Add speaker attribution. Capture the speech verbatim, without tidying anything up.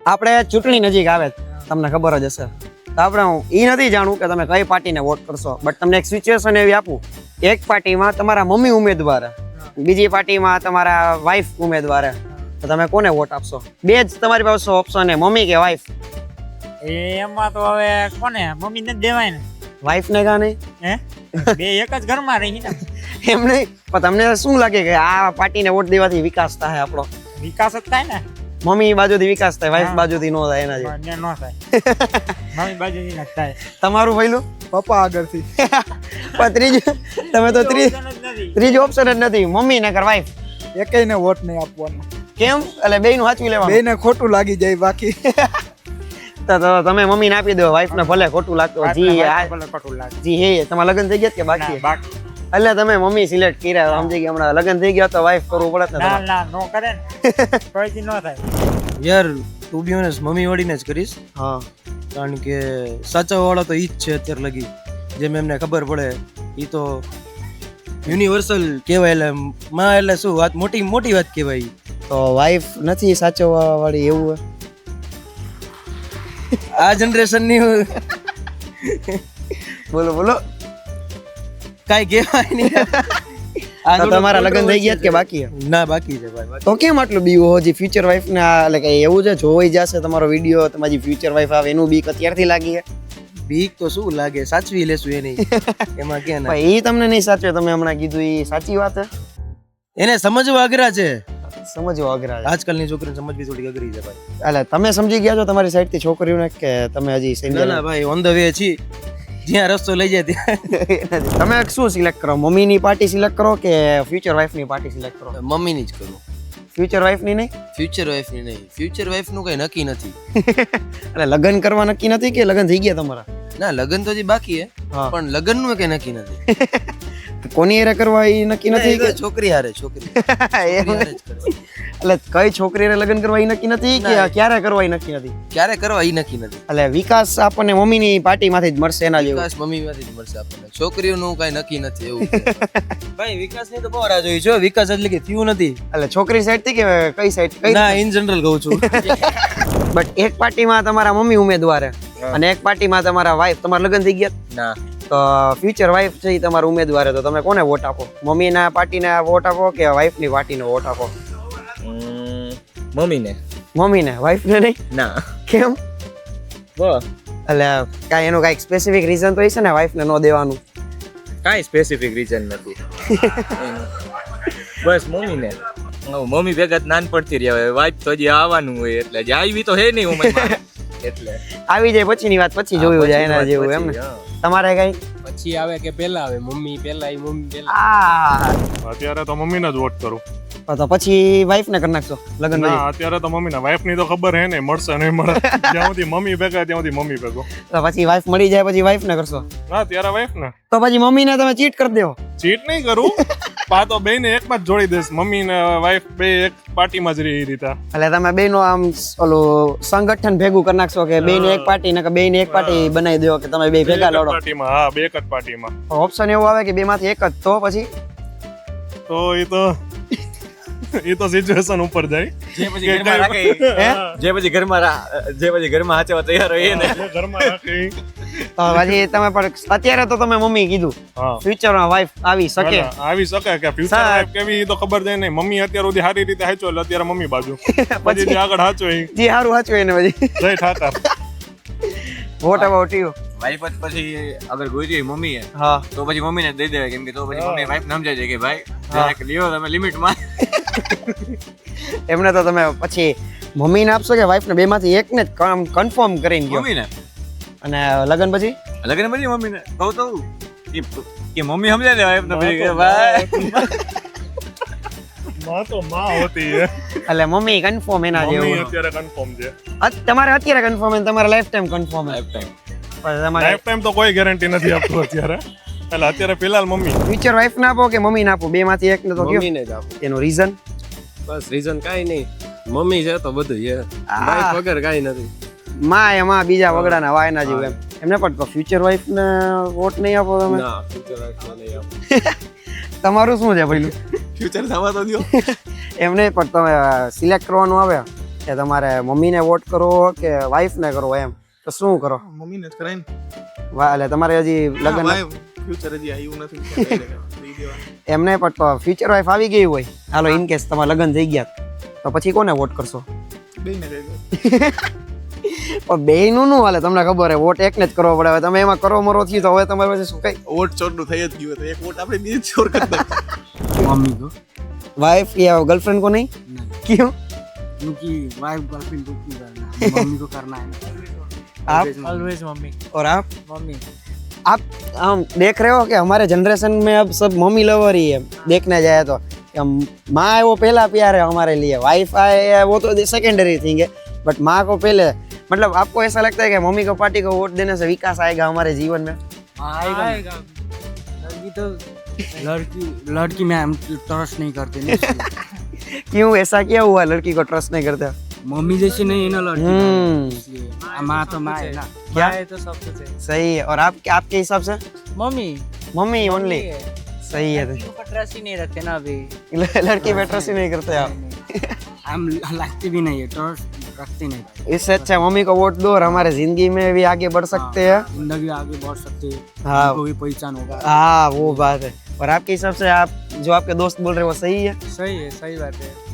Speaker 1: આપણે ચૂંટણી નજીક આવે તમને ખબર જ હશે તો આપણે હું એ નથી જાણું કે તમે કઈ પાર્ટીને વોટ કરશો બટ તમને એક સિચ્યુએશન એવી આપું એક પાર્ટીમાં તમારા મમ્મી ઉમેદવાર બીજી પાર્ટીમાં તમારા વાઈફ ઉમેદવાર તો તમે કોને વોટ આપશો બે જ તમારી પાસે ઓપ્શન હે મમ્મી કે વાઈફ
Speaker 2: એમાં તો હવે કોને મમ્મી ને દેવાય ને
Speaker 1: વાઈફ ને કા નહીં
Speaker 2: હે બે એક જ ઘરમાં રહી ને
Speaker 1: એમ નહીં પણ તમને શું લાગે કે આ પાર્ટીને વોટ દેવાથી વિકાસ થાય આપણો
Speaker 2: વિકાસ જ થાય ને
Speaker 1: મમ્મી બાજુથી વિકાસ થાય વાઈફ
Speaker 2: હા.
Speaker 1: બાજુથી નો થાય એના જેવું.
Speaker 2: ને નો થાય મમ્મી બાજુથી ન થાય
Speaker 1: તમારું પહેલું
Speaker 3: પપ્પા આગળથી
Speaker 1: પણ ત્રીજું તમે તો ત્રીજ ત્રીજો ઓપ્શન જ નથી મમ્મી નકર વાઈફ
Speaker 3: એકેયને વોટ નહીં આપવાનો
Speaker 1: કેમ એટલે બેયનું સાચવી લેવાનું
Speaker 3: બેયને ખોટું લાગી જાય બાકી
Speaker 1: તો તો તમે મમ્મીને આપી દો વાઈફ ને ભલે ખોટું લાગતું હોય. જી આ-
Speaker 2: ભલે ખોટું લાગે
Speaker 1: જી હે તમારા લગ્ન થઈ ગયા કે બાકી
Speaker 2: ના,
Speaker 1: છે?
Speaker 2: બાકી
Speaker 1: એટલે તમે મમ્મી સિલેક્ટ કર્યા સમજી ગયા હમણાં લગ્ન થઈ ગયા તો વાઈફ કરવું પડે ને
Speaker 2: ના
Speaker 1: તમારે.
Speaker 2: ના નો કરે ને કોઈથી નો થાય
Speaker 4: યાર ટુ બી ઓનેસ્ટ મમ્મી વાળીને જ કરીશ
Speaker 1: હા
Speaker 4: કારણ કે સાચા વાળા તો ઈ જ છે અત્યારે લગી જેમ એમને ખબર પડે ઈ તો યુનિવર્સલ કહેવાય એટલે માં એટલે શું વાત મોટી મોટી વાત કહેવાય ઈ.
Speaker 1: તો વાઈફ નથી સાચવવા વાળી એવું હોય?
Speaker 4: આ જનરેશનની
Speaker 1: બોલો બોલો
Speaker 4: કાંઈ કહેવાય નહીં
Speaker 1: તો તમારા લગ્ન થઈ ગયા કે બાકી છે?
Speaker 4: ના બાકી છે ભાઈ
Speaker 1: તો કેમ આટલું બીવું હજી ફ્યુચર વાઈફ ને આ એટલે કે એવું છે જોઈ જશે તમારો વિડીયો તમારી ફ્યુચર વાઈફ આવે એનું બીક અત્યારથી લાગી છે
Speaker 4: બીક તો શું લાગે સાચવી લેશું એની એમાં કે ના
Speaker 1: પણ એ તમને નહીં સાચવે તમે હમણાં કીધું એ સાચી વાત છે
Speaker 4: એને સમજવા અઘરા છે
Speaker 1: સમજવા અઘરા છે.
Speaker 4: આજકાલની છોકરીને સમજવી થોડી અઘરી છે ભાઈ
Speaker 1: એટલે તમે સમજી ગયા છો તમારી સાઈડ થી છોકરીઓને કે તમે હજી
Speaker 4: ના
Speaker 1: સમજ્યા
Speaker 4: ના ભાઈ ઓન ધ વે છીએ જ્યાં રસ્તો લઈ જાય ત્યાં
Speaker 1: નથી? તમે શું સિલેક્ટ કરો મમ્મીની પાર્ટી સિલેક્ટ કરો કે ફ્યુચર વાઈફની પાર્ટી સિલેક્ટ કરો?
Speaker 4: મમ્મીની જ કરું
Speaker 1: ફ્યુચર વાઈફની નહીં
Speaker 4: ફ્યુચર વાઈફની નહીં ફ્યુચર વાઈફનું કઈ નક્કી નથી
Speaker 1: એટલે લગ્ન કરવા નક્કી નથી કે લગ્ન થઈ ગયા તમારા?
Speaker 4: ના લગ્ન તો હજી બાકી હે
Speaker 1: હા.
Speaker 4: પણ લગ્નનું કઈ નક્કી નથી
Speaker 1: કોની હારે કરવા એ નક્કી નથી
Speaker 4: નથી
Speaker 1: કે
Speaker 4: કે છોકરી હારે છોકરી છોકરી
Speaker 1: એમ?
Speaker 4: હારે જ કરવા.
Speaker 1: એટલે કઈ છોકરીને લગ્ન કરવા એ નક્કી નથી કે
Speaker 4: ના.
Speaker 1: ક્યારે કરવા એ નક્કી નથી?
Speaker 4: ક્યારે કરવા એ નક્કી નથી
Speaker 1: એટલે વિકાસ આપણને મમ્મીની પાર્ટીમાંથી જ મળશે એના જેવું.
Speaker 4: વિકાસ મમ્મી માંથી જ મળશે આપણને છોકરીઓનું કઈ નક્કી નથી એવું છે. ભાઈ વિકાસ ની તો બહુ રાહ જોઈ છો વિકાસ એટલે કે થયું નથી
Speaker 1: એટલે છોકરી સાઈડ થી કે કઈ સાઈડ કઈ?
Speaker 4: ના ઇન જનરલ કહું છું
Speaker 1: બટ એક પાર્ટીમાં તમારા મમ્મી ઉમેદવાર છે અને એક પાર્ટીમાં તમારા વાઈફ તમારા લગ્ન થઈ ગયા
Speaker 4: ના
Speaker 1: તો ફ્યુચર વાઈફ છે ઈ તમારા ઉમેદવાર છે તો તમે કોને વોટ આપો? મમ્મીના પાર્ટીને વોટ આપો કે વાઈફની પાર્ટીને વોટ આપો?
Speaker 5: મમ્મીને
Speaker 1: મમ્મીને વાઈફને નહીં?
Speaker 5: ના
Speaker 1: કેમ?
Speaker 5: બસ
Speaker 1: એટલે કાંઈ એનું કાંઈક સ્પેસિફિક રીઝન તો હશે ને વાઈફને ન દેવાનું?
Speaker 5: કાંઈ સ્પેસિફિક રીઝન નથી બસ મમ્મીને હવે મમ્મી ભેગા જ નાનપણથી રહ્યા હોય વાઈફ તો હજી આવવાનું હોય એટલે જે આવી તો હે નહીં ઉંમરમાં એટલે
Speaker 1: આવી જાય પછીની વાત પછી જોયું જાય એના જેવું એમ ને? તમારે કઈ
Speaker 6: પછી આવે કે પેલા આવે મમ્મી પેલા ઈ મમ્મી પેલા
Speaker 1: આ
Speaker 7: અત્યારે તો મમ્મીને જ વોટ કરું
Speaker 1: તો પછી વાઈફ ને કરી નાખશો લગ્ન
Speaker 7: ના
Speaker 1: પછી?
Speaker 7: અત્યારે તો મમ્મીના વાઈફ ની તો ખબર હે ને મળશે નહીં મળે જ્યાં સુધી મમ્મી ભેગા ત્યાં સુધી મમ્મી ભેગો
Speaker 1: તો પછી વાઈફ મળી જાય પછી વાઈફ ને કરશો
Speaker 7: ના ત્યારે વાઈફ ને
Speaker 1: તો પછી મમ્મીને તમે ચીટ કરી દેવો?
Speaker 7: ચીટ નહીં કરું પા તો બે ને એકમાં જ જોડી દઈશ મમ્મી ને વાઈફ બે એક પાર્ટીમાં જ રહી એ રીતે
Speaker 1: એટલે તમે બે નો આમ ઓલું સંગઠન ભેગું કરી નાખશો કે બે ની એક પાર્ટી ને બે ની એક પાર્ટી બનાવી દો કે તમે બે ભેગા લડો?
Speaker 7: પાર્ટીમાં હા બે એક જ પાર્ટીમાં
Speaker 1: ઓપ્શન એવું આવે કે બે માંથી એક જ તો પછી
Speaker 7: તો એ તો એ તો સિચ્યુએશન ઉપર જાય
Speaker 5: જે પછી ઘરમાં રાખે
Speaker 1: હે?
Speaker 5: જે પછી ઘરમાં રા- જે પછી ઘરમાં હાચવા તૈયાર હોય એને
Speaker 7: જે ઘરમાં રાખી
Speaker 1: તો પછી તમે પણ અત્યારે તો તમે મમ્મી કીધું
Speaker 7: હા
Speaker 1: ફ્યુચર માં વાઈફ આવી શકે
Speaker 7: ના, ના, આવી શકે કે ફ્યુચર
Speaker 1: સા-
Speaker 7: વાઈફ કેવી એ તો ખબર જાય નહીં મમ્મી અત્યાર સુધી સારી રીતે હાચો એટલે અત્યારે મમ્મી બાજુ પછી જે આગળ હાચો એ
Speaker 1: જે સારું વાંચવું એને પછી
Speaker 7: Jay Thakar
Speaker 1: what about you?
Speaker 5: Wife જ પછી અગર ગોઈતી હોય મમ્મીએ
Speaker 1: હા
Speaker 5: તો પછી મમ્મીને જ દઈ દેવાય કેમ કે તો પછી
Speaker 7: હા.
Speaker 5: મમ્મી વાઈફ સમજાય છે કે ભાઈ
Speaker 1: હા.
Speaker 5: જરાક લ્યો તમે લિમિટમાં
Speaker 1: એમને તો તમે પછી મમ્મીને આપશો કે વાઈફ ને બે માંથી એક ને જ કન્ફર્મ કરીને ગયો
Speaker 5: મમ્મીને
Speaker 1: અને લગ્ન પછી
Speaker 5: લગન પછી મમ્મીને કહું તો કે કે મમ્મી સમજાય દે વાઈફ ને પછી કે ભાઈ
Speaker 7: માં તો માં હોતી હે
Speaker 1: એટલે મમ્મી કન્ફર્મ એના
Speaker 7: મમ્મી
Speaker 1: જેવું
Speaker 7: અત્યારે કન્ફર્મ છે
Speaker 1: અત- તમારે અત્યારે કન્ફર્મ તમારે lifetime confirm
Speaker 5: lifetime
Speaker 1: તમારે
Speaker 7: લાઈફ ટાઈમ તો કોઈ ગેરંટી નથી આપતું અત્યારે એટલે અત્યારે ફિલહાલ મમ્મી
Speaker 1: ફ્યુચર વાઈફ ના આપો કે મમ્મી ના આપો બે માંથી એક ને તો કયો
Speaker 6: મમ્મીને જ આપો
Speaker 1: એનું રીઝન?
Speaker 6: બસ રીઝન કાઈ નહીં મમ્મી છે તો બધું છે
Speaker 1: આ.
Speaker 6: વાઈફ વગર કાઈ નથી
Speaker 1: માં એમાં બીજા વગડાના વાયના જેવું એમ એમને પણ ફ્યુચર વાઈફ ને વોટ નહીં આપો તમે?
Speaker 6: ના ફ્યુચર વાઈફ નહીં આપો
Speaker 1: તમારું શું છે પેલું?
Speaker 6: ફ્યુચર થવા તો દો
Speaker 1: એમને પણ તમે સિલેક્ટ કરવાનું આવે કે તમારે મમ્મીને વોટ કરવો કે વાઈફને કરવો એમ તો શું કરો?
Speaker 7: મમ્મીને જ કરાય ને.
Speaker 1: વા- એટલે તમારે હજી લગ્ન
Speaker 7: ફ્યુચર હજી આવ્યું નથી. દઈ દેવાનું.
Speaker 1: એમ નહીં પણ ફ્યુચર વાઈફ આવી ગઈ હોય, હાલો ઇન કેસ તમારે લગ્ન થઈ ગયા તો પછી કોને વોટ કરશો?
Speaker 7: બેયને કહી દો.
Speaker 1: પણ બે નું નું હાલે, તમને ખબર હે વોટ એકને જ કરવો પડે. હવે તમે એમાં કરો મરો થયું તો હવે તમારે પછી શું કઈ
Speaker 7: વોટ ચોરનું થઈ જ ગયું તો એક વોટ આપણે બીજી ચોર કરી દઈએ.
Speaker 8: मम्मी को
Speaker 1: वाइफ या गर्लफ्रेंड को नहीं? क्यों?
Speaker 8: क्योंकि वाइफ गर्लफ्रेंड को क्यों करना है, मम्मी को करना है ना।
Speaker 1: आप
Speaker 2: ऑलवेज मम्मी
Speaker 1: और आप
Speaker 2: मम्मी
Speaker 1: आप हम देख रहे हो कि हमारे जनरेशन में अब सब मम्मी लवर ही है. देखने जाए तो कि हम- माँ है वो पहला प्यार है हमारे लिए, वाइफ है वो तो सेकेंडरी थिंग है, बट माँ को पहले. मतलब आपको ऐसा लगता है कि मम्मी को पार्टी को वोट देने से विकास आएगा हमारे जीवन में?
Speaker 8: आएगा लड़की तो लड़की लड़की में हम ट्रस्ट नहीं करते ना इसलिए।
Speaker 1: क्यों ऐसा क्या हुआ लड़की को ट्रस्ट नहीं करते?
Speaker 8: मम्मी जैसी नहीं है ना लड़की,
Speaker 1: हम्म
Speaker 8: इसलिए माँ तो माँ है ना।
Speaker 1: क्या?
Speaker 2: है तो सब कुछ है
Speaker 1: सही है. और आप आपके हिसाब से
Speaker 2: मम्मी
Speaker 1: मम्मी ओनली
Speaker 2: है।
Speaker 1: सही है.
Speaker 2: लड़कियों पर ट्रस्ट ही नहीं रखते ना अभी
Speaker 1: लड़की पे ट्रस्ट ही नहीं करते आप.
Speaker 8: हम लगते भी नहीं है, ट्रस्ट रखते नहीं।
Speaker 1: इससे अच्छा मम्मी को वोट दो और हमारे जिंदगी में भी आगे बढ़ सकते हैं.
Speaker 8: जिंदगी आगे बढ़ सकते हैं,
Speaker 1: हाँ.
Speaker 8: हमको भी पहचान होगा।
Speaker 1: हाँ वो बात है. और आपके हिसाब से आप जो आपके दोस्त बोल रहे हैं वो सही है?
Speaker 2: सही है सही बात है